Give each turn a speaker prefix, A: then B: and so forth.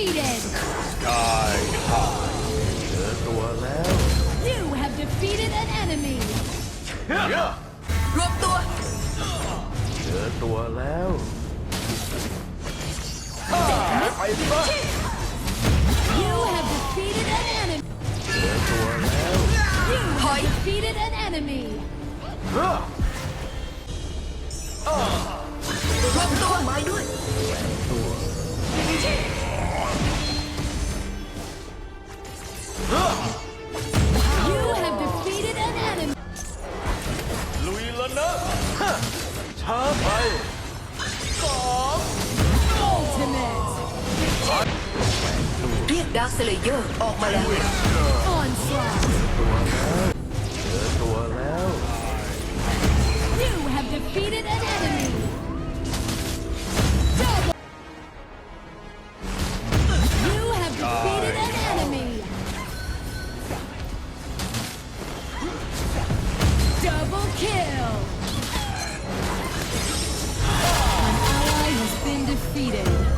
A: defeated.
B: กายหายเจอตัวแล้ว
A: You have defeated an enemy.
C: รวมตัว
B: เจอตัวแล้ว
D: ไปซะ
A: You have defeated an enemy.
B: เจอตัวแล้ว
A: You have defeated an enemy.
C: รวมตัวไม้ด้วย
A: You have defeated an enemy.
D: ลุยแล้วนะช้าไป
A: Ultimate
C: เรียกดาร์คสเลเยอร์ออกมาแล้ว
A: onslaught.
B: เจอตัวแล้ว
A: You have defeated an enemy. Double. You have defeated an enemy. Double kill. An ally has been defeated.